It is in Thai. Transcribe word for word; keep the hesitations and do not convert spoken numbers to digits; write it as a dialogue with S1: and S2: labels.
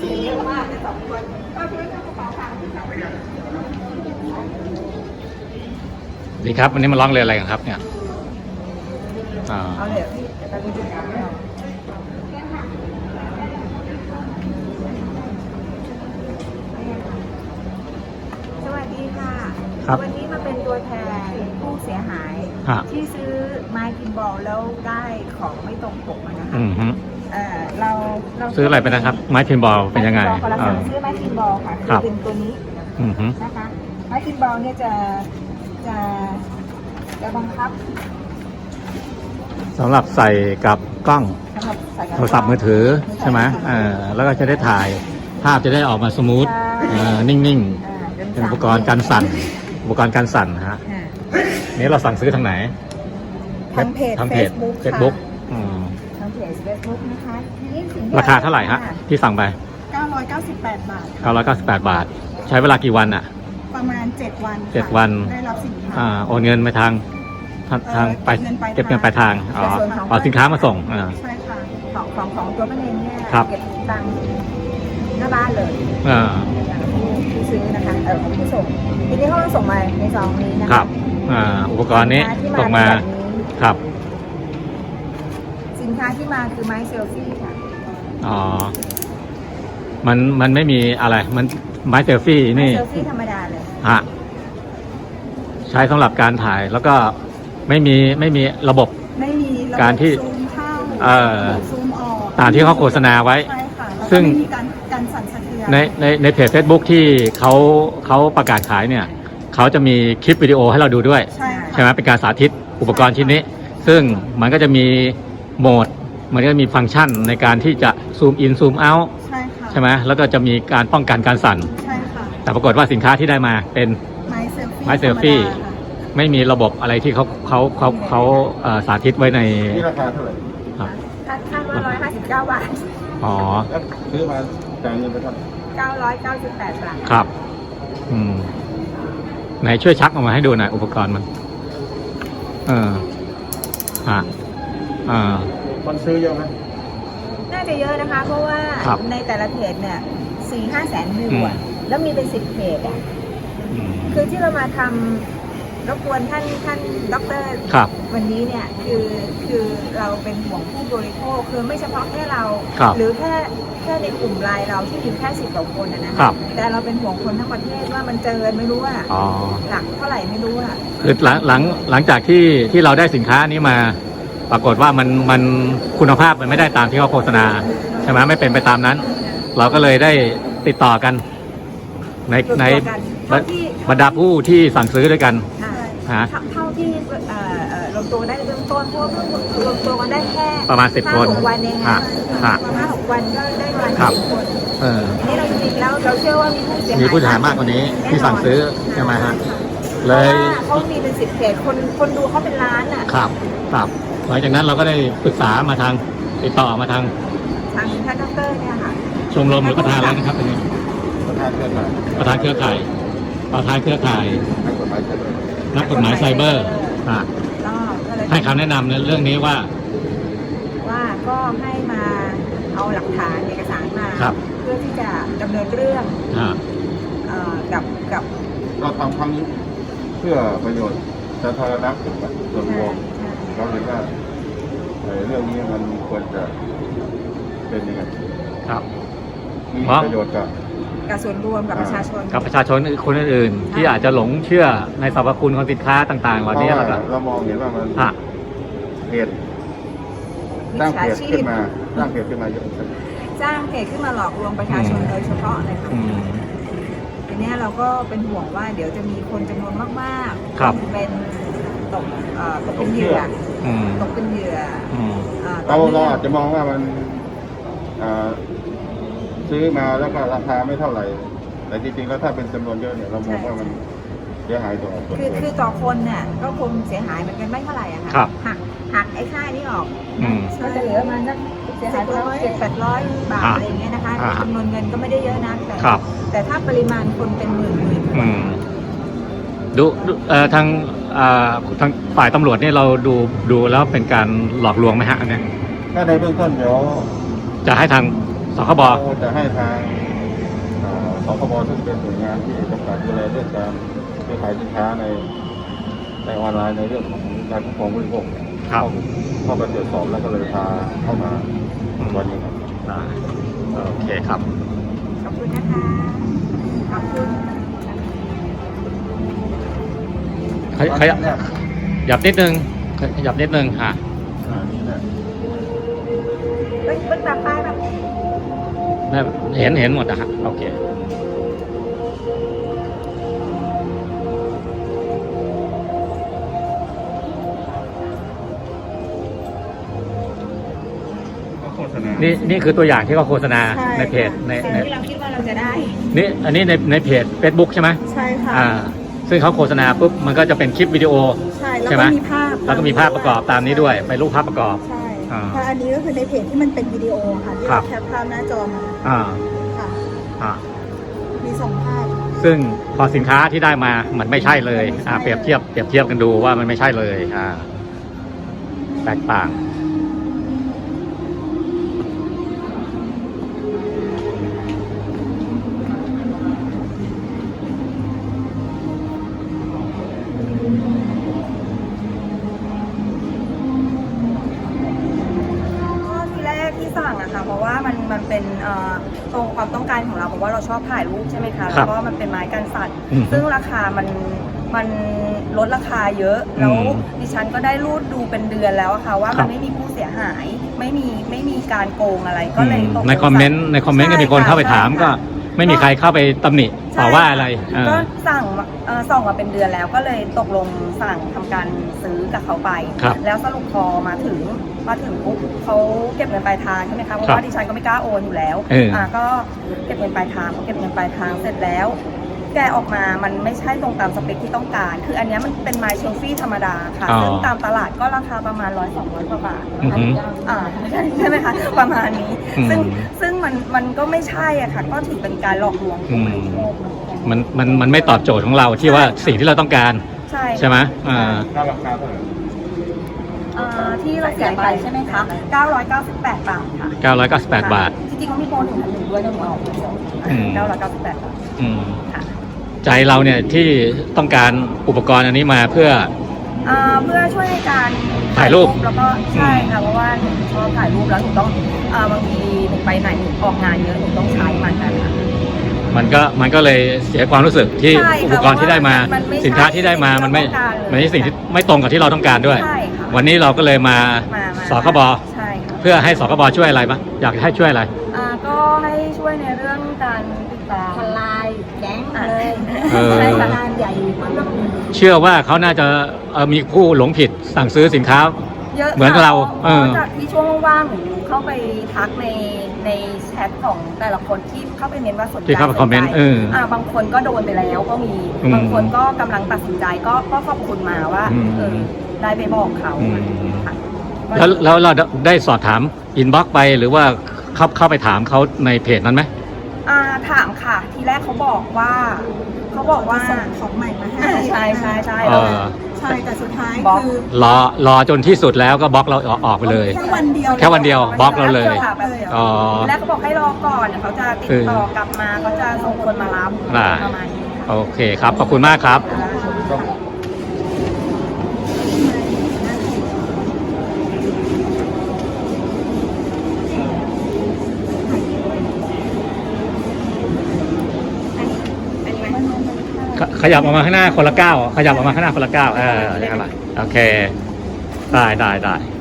S1: เยอะมากเลยสองคนก็ช่วยกระเป๋าตังค์ที่เขาไปเลย
S2: ดีครับวันนี้มาร้องเรียนอะไรกันครับเนี่ยอ่า
S1: เอาเลยพี่จะไปดูจุดน้ำเราสวัสดีค่ะวันนี้มาเป็นตัวแทนผู้เสียหายที่ซื้อไม้พิมพ์บอลแล้วได้ของไม่ตรงปกมานะคะ
S2: อืมฮึ
S1: เออเราเรา
S2: ซื้ออะไรไปนะครับไม้พิมพ์บอลเป็นยังไง
S1: เราซื้อไม้พิมพ์บอลค่ะคือเป็นตัวนี้
S2: อืมฮึ
S1: นะคะไม้พิมพ์บอลเนี่ยจะจะจะบังคับ
S2: สำหรับใส่กับกล้อง
S1: สำหรับใส่กับ
S2: โทรศัพท์มือถือใช่ไหมเออแล้วก็จะได้ถ่ายภาพจะได้ออกมาสมูทเออนิ่งๆเป็นอุปกรณ์การสั่นอุปกรณ์การสั่นฮะนี้เราสั่งซื้อทางไหน
S1: ทางเพจ
S2: ทางเพจ
S1: Facebook
S2: เฟซบุ๊ก
S1: ทางเพจ Facebook นะคะนี่สิ่งที่
S2: ราคาเท่าไหร่ฮะที่สั่งไป
S1: เก้าร้อยเก้าสิบแปดบาท
S2: เก้าร้อยเก้าสิบแปดบาท ใช้เวลากี่วันอ่ะ
S1: ประมาณเจ็ดวัน
S2: เจ็ดวัน
S1: ได้รับสินค้า
S2: อ่าโอนเงินไปทางทางทางไปเก็บเงินปลายทางอ๋อเอาสินค้ามาส่งอ่า
S1: ใช่ค่ะของของของตัวป้าเนนเนี่ย
S2: ครับ
S1: เก็บตังค์หน้าบ้านเลย
S2: อ่า
S1: ผู้ซื้อนะคะเออของผู้ส่งทีนี้เขาก็ส่งมาในซองนี้นะคะ
S2: ครับอ่าอุปกรณ์นี้
S1: สินค้
S2: ส่งมา
S1: ที่แบบนี้
S2: ครับ
S1: สินค้าที่มาคือไม้เซลฟี่ค่ะ
S2: อ๋อมันมันไม่มีอะไรมันไม้เซลฟี่
S1: ไม้
S2: นี่
S1: เซลฟี่ธรรมดาเลย
S2: ฮะใช้สำหรับการถ่ายแล้วก็ไม่มีไม่มีระบบ
S1: ไม่มีะบบ
S2: การที่
S1: ซูมเข้า
S2: เอ่อ
S1: ซูมออก
S2: ตามที่เขาโฆษณาไว้
S1: ใช่ค่ะแล้วก็
S2: ซึ่ง
S1: ไม่มีการการสั่นสะเทือน
S2: ในในในเพจ Facebook ที่เขาเขาประกาศขายเนี่ยเขาจะมีคลิปวิดีโอให้เราดูด้วย
S1: ใช่ค่ะ
S2: ใช่ไหมเป็นการสาธิตอุปกรณ์ชิ้นนี้ ซึ่งมันก็จะมีโหมด มันก็จะมีฟังก์ชันในการที่จะซูมอินซูมเอาท์
S1: ใช่ค่ะ
S2: ใช่ไหมแล้วก็จะมีการป้องกันการสั่น
S1: ใช่ค่ะ
S2: แต่ปรากฏว่าสินค้าที่ได้มาเป็น
S1: ไม้เซลฟี่
S2: ไม้เซลฟี่
S1: ธรรมดาค่ะ
S2: ไม่มีระบบอะไรที่เขาเขาเขาเขาเอ่อสาธิตไว้ใน
S3: นี่ราคาเท่าไหร่
S2: ครับ
S1: คาดคาดว่าร้อยห้าสิบเก้าบาท
S2: อ๋อ
S3: แล้วซื้อมาจ่ายเงินไปเท่าไหร่
S1: เก้าร้อยเก้าสิบแปดบาท
S2: ครับ อืมไหนช่วยชักออกมาให้ดูหน่อยอุปกรณ์มัน เออฮะอ่า
S3: คนซื้อเยอะไหม
S1: น่าจะเยอะนะคะ เพราะว่า
S2: ครับ
S1: ในแต่ละเพจเนี่ยสี่ห้าแสนวิวอะ
S2: อืม
S1: แล้วมีเป็นสิบเพจอะ
S2: อืม
S1: คือที่เรามาทำรบกวนท่านท่านด็อกเตอร์
S2: ครับ
S1: วันนี้เนี่ยคือคือเราเป็นห่วงผู้บริโภคคือไม่เฉพาะแค่เรา
S2: ครับ
S1: หรือแค่แค่ในกลุ่มไลน์เราที่มีแค่สิบกว่าคนนะนะครับ แต่เราเป็นห่วงคนทั้งประเทศว่ามันเจอไม่รู้ว่า
S2: อ๋อ
S1: หลักเท่าไหร่ไม่รู้อะ
S2: คือหลังหลังหลังจากที่ที่เราได้สินค้านี้มา ปรากฏว่ามันมันคุณภาพมันไม่ได้ตามที่เขาโฆษณาใช่ไหมไม่เป็นไปตามนั้น เราก็เลยได้ติดต่อกัน ในใน
S1: รวมตัวกันเท่าที่
S2: บรรดาผู้ที่สั่งซื้อด้วยกัน
S1: อ่า
S2: ฮะ
S1: เท่าเท่าที่เอ่อเอ่อรวมตัวได้เบื้องต้นเพราะว่าเพิ่งรวมตัวกันได้แค่
S2: ประมาณสิบ
S1: ห้า
S2: คน
S1: หกวันเอง
S2: ฮะ
S1: ค่ะ
S2: ฮะ
S1: ห้าหกวันก็ได้ประมาณ
S2: ครับ
S1: สิบคน
S2: เออ
S1: นี่เราจริงๆแล้วเราเชื่อว่ามีผู้เสียหาย
S2: มีผู้เสียหายมากกว่านี้ที่สั่งซื้อใช่ไหมฮะ
S1: เพ
S2: เล
S1: ราะ
S2: ย
S1: ว่าเขามีเป็นสิบเพจคนคนดูเขาเป็นล้านอ่ะ
S2: ครับครับหลังจากนั้นเราก็ได้ปรึกษามาทางติดต่อมาทาง
S1: ทางท่านดอกเตอร์เนี่ยค่ะ
S2: ชมรมหรือประธานแล้วนะครับตรงนี้
S3: ประธานเครือข่าย
S2: ประธานเครือข่ายประธานเครือข่าย
S3: นักกฎหมายใช่ไหม
S2: นักกฎหมายไซเบอร์อ่ะ
S1: ก็ก็เลย
S2: ให้คำแนะนำในเรื่องนี้ว่า
S1: ว่าก็ให้มาเอาหลักฐานเอกสารมา
S2: ครับ
S1: เพื่อที่จะดำเนินเรื่อง
S2: อ่า
S1: เอ่อกับกับ
S3: เราทำครั้งนี้เพื่อประโยชน์สาธารณะส่วนรวม
S1: ใช่
S3: เราเห็นว่าเอ่อเรื่องนี้มันควรจะเป็นยังไง
S2: ครับ
S3: มีประโยชน์กับ
S1: กับส่วนรวมกับประชาชน
S2: กับประชาชนคนอื่นๆที่อาจจะหลงเชื่อในสรรพคุณของสินค้าต่างๆเหล่านี้
S3: เพ
S2: แล้
S3: ราะ
S2: วก็
S3: ว่าเรามองเห็นว่ามัน
S2: อ่ะ
S3: เพจตั้งเพจขึ้นมาตั้งเพจขึ้นมาเยอะ
S1: สร้างเพจขึ้นมาหลอกลวงประชาชนโดยเฉพาะเลยค่ะ
S2: อืม
S1: ทีเนี้ยเราก็เป็นห่วงว่าเดี๋ยวจะมีคนจำนวนมากๆ
S2: ครับ
S1: เป็นตกเอ่อตกเป็นเหยื่อ
S2: อืม
S1: ตกเป็นเหยื่อ
S2: อืม
S1: อ่
S3: เราเรา
S1: ต่อ
S3: อาจ
S1: เนื่อง
S3: จะมองว่ามันอ่าซื้อมาแล้วก็ราคาไม่เท่าไหร่ แต่จริงๆแล้วถ้าเป็นจำนวนเยอะเนี่ยเรามองว่ามันเสียหายต่อส่วน
S1: คือ
S3: รวม
S1: คือต่อคนเนี่ยก็คงเสียหายเหมือนกันไม่เท่าไหร่อะค่ะ
S2: ครับ
S1: หักหักไอ้ค่านี้ออก
S2: อืม
S1: ก็จะเหลือประมาณสักเสียหายประมาณเจ็ดแปดร้อยบาท
S2: อ่า
S1: อะไรอย่างเงี้ยนะคะ
S2: อ่า
S1: จำนวนเงินก็ไม่ได้เยอะนะแต่
S2: ครับ
S1: แต่ถ้าปริมาณคนเป็นหมื่นหมื่น
S2: อืมดูดูเอ่อทางอ่าทางฝ่ายตำรวจเนี่ยเราดูดูแล้วเป็นการหลอกลวงไหมฮะอันเนี้ย
S3: ถ้าในเบื้องต้นเดี๋ยว
S2: จะให้ทางสคบ
S3: เราจะให้ทางสคบซึ่งเป็นหน่วยงานที่กำกับดูแลเรื่องการซื้อขายสินค้าในในออนไลน์ในเรื่องของการคุ้มครองผู้บริโภค
S2: ครับ
S3: เข้าไปตรวจสอบแล้วก็เลยพาเข้ามาวันนี้ครับ
S2: ได้โอเคครับ
S1: ขอบคุณนะคะขอบคุณ
S2: ขยขยับหยับนิดนึงขยับนิดนึงค่ะ
S3: อ่านี่แหละ
S1: เฮ้ยเบิ้งตามป้ายแบบ
S2: ได้เห็นเห็นหมดนะฮะโอเค
S3: ก็โฆษณา
S2: นี่นี่คือตัวอย่างที่เขาโฆษณาในเพจใน
S1: สิ่ง
S2: ใน
S1: ที่เราคิดว่าเราจะได้
S2: นี่อันนี้ในในเพจ Facebook ใช่ไหม
S4: ใช่ค่ะ
S2: อ่าซึ่งเขาโฆษณาปุ๊บมันก็จะเป็นคลิปวิดีโอ
S4: ใช่แล้ว
S2: ใช่ไหม
S4: ก็มีภาพ
S2: แล้วก็มีภาพประกอบตามนี้ด้วยเป็นรูปภาพประกอบ
S4: ใช่
S2: อ่า
S4: เพราะอันนี้ก็คือในเพจที่มันเป็นวิดีโอค่ะที่
S2: ครั
S4: เรา
S2: บ
S4: แคปภาพหน้าจอมา
S2: อ่า
S4: ค่ะ
S2: อ่า
S4: มีสองภาพ
S2: ซึ่งพอสินค้าที่ได้มามันไม่ใช่เลย
S4: มันไม่ใช่
S2: อ่าเปรียบเทียบเปรียบเทียบกันดูว่ามันไม่ใช่เลยอ่าแตกต่าง
S5: ก็ทีแรกที่สั่งอะค่ะเพราะว่ามันมันเป็นเอ่อตรงความต้องการของเราเพราะว่าเราชอบถ่ายรูปใช่ไหมคะ
S2: ครั
S5: แล้
S2: บ
S5: วก็มันเป็นไม้กันสัตว์
S2: อืม
S5: ซึ่งราคามันมันลดราคาเยอะ แล้ว
S2: อืม
S5: ดิฉันก็ได้รูดดูเป็นเดือนแล้วอะค่ะว่า
S2: ครั
S5: มั
S2: บ
S5: นไม่มีผู้เสียหาย ไม่มีไม่มีการโกงอะไรก็เลยตกลง
S2: ในคอมเมนต์ในคอมเมนต์ก็มีคนเข้าไปถามก็ไม่มีใครเข้าไปตำหนิต่อว่าอะไรเออ
S5: ก็สั่งเอ่อส่องมาเป็นเดือนแล้วก็เลยตกลงสั่งทำการซื้อกับเขาไป
S2: ครับ
S5: แล้วสรุปพอมาถึงมาถึงปุ๊บเขาเก็บเงินปลายทางใช่ไหมคะเพราะ
S2: ครับ
S5: ว่าดิฉันก็ไม่กล้าโอนอยู่แล้ว
S2: เอออ่
S5: ่าก็เก็บเงินปลายทางพอเก็บเงินปลายทางเสร็จแล้ว แกะออกมามันไม่ใช่ตรงตามสเปคที่ต้องการ คืออันเนี้ยมันเป็นไม้เชลฟี่ธรรมดาค่ะ
S2: อ๋อ
S5: ซึ่งตามตลาดก็ราคาประมาณร้อยสองร้อยกว่าบาท
S2: อือหือ
S5: อ่าใช่ใช่ไหมคะประมาณนี้
S2: อืม
S5: ซึ่งซึ่งมันมันก็ไม่ใช่อ่ะค่ะก็ถือเป็นการหลอกลวงผู้บริโภค
S2: มันมันมันไม่ตอบโจทย์ของเราที่ว่าสิ่งที่เราต้องการ
S5: ใช่
S2: ใช่ไหมอ่า
S3: ค่าราคาเท่าไหร่
S5: อ่าที่เราเสียไปใช่ไหมคะเก้าร้อยเก้าสิบแปดบาทค่ะ
S2: เก้าร้อยเก้าสิบแปดบาท
S5: จริงๆเขามีโปรหนึ่งพันหนึ่งด้วยนะหนูเอา
S2: อืม
S5: เก้าร้อยเก้าสิบแปดบาท
S2: อืม
S5: ค่ะ
S2: ใจเราเนี่ยที่ต้องการอุปกรณ์อันนี้มาเพื่อ
S5: อ่าเพื่อช่วยในการ
S2: ถ่ายรูป
S5: แล้วก็ใช่ค่ะเพราะว่าหนูชอบถ่ายรูปแล้วหนูต้องอ่าบางทีหนูไปไหนหนูออกงานเยอะหนูต้องใช้มันนะคะ
S2: มันก็มันก็เลยเสียความรู้สึกที่
S5: ใช่ค่ะ
S2: อุปกรณ์ที่ได้มา
S5: เพราะว่ามันไม่ใช่
S2: สินค้าที่ได้มามันไม่
S5: สิ่งที่เราต้องการเลย
S2: มันไม่ใช่สิ่งที่ไม่ตรงกับที่เราต้องการด้วย
S5: ใช่ค่ะ
S2: วันนี้เราก็เลยมา
S5: มามา
S2: สคบ
S5: ใช่ค่ะ
S2: เพื่อให้สคบช่วยอะไรบ้างอยากให้ช่วยอะไร
S5: อ่าก็ให้ช่วยในเรื่องการติดตาม
S1: ทลายแก๊ง
S5: อ่า
S1: เลย
S2: เออ
S5: ใช่ค่ะ
S1: งานใหญ่มาก
S2: เชื่อว่าเขาน่าจะเอ่อมีผู้หลงผิดสั่งซื้อสินค้า
S5: เยอะ
S2: เหมือนกับเรา
S5: ค่ะ
S2: เออ
S5: พะจากที่ช่วงว่างๆหนูเข้าไปทักในในแชทของแต่ละคนที่เข้าไปเม้นว่าสนใจ
S2: ที่เข้าไปคอมเมนต์
S5: สใจ
S2: เอออ่
S5: าบางคนก็โดนไปแล้วก็มี
S2: อืม
S5: บางคนก็กำลังตัดสินใจก็ก็ขอบคุณมาว่า
S2: อืม
S5: เออได้ไปบอกเขา
S2: อืม
S5: ค่ะ
S2: แล้วแล้วเราได้สอบถามอินบ็อกไปหรือว่าเข้าเข้าไปถามเขาในเพจนั้นไหม
S5: อ่าถามค่ะ ทีแรกเขาบอกว่าเขาบอกว่า
S4: ส่งของใหม่มาให้
S5: อ่าใช่ใช่ใช่
S2: เออ
S4: ใช่แต่สุดท้าย
S5: บล็อก
S4: คือ
S2: รอรอจนที่สุดแล้วก็บล็อกเราออกออกไปเลย
S4: แค่วันเดียว
S2: แค่วันเดียวบล็อกเราเลย
S5: ค่ะแบบเดียว
S2: อ๋อ
S5: ทีแรกเขาบอกให้รอก่อนเดี๋ยวเขาจะติดต่อกลับมาเขาจะส่งคนมารับ
S2: ได้
S5: ประมาณนี้ค่ะ
S2: โอเคครับ ขอบคุณมากครับ
S3: ต้อง
S2: ขขยับออกมาข้างหน้าคนละก้าวขยับออกมาข้างหน้าคนละก้าวเอออย่างนั้นแหละโอเค ได้ได้ได้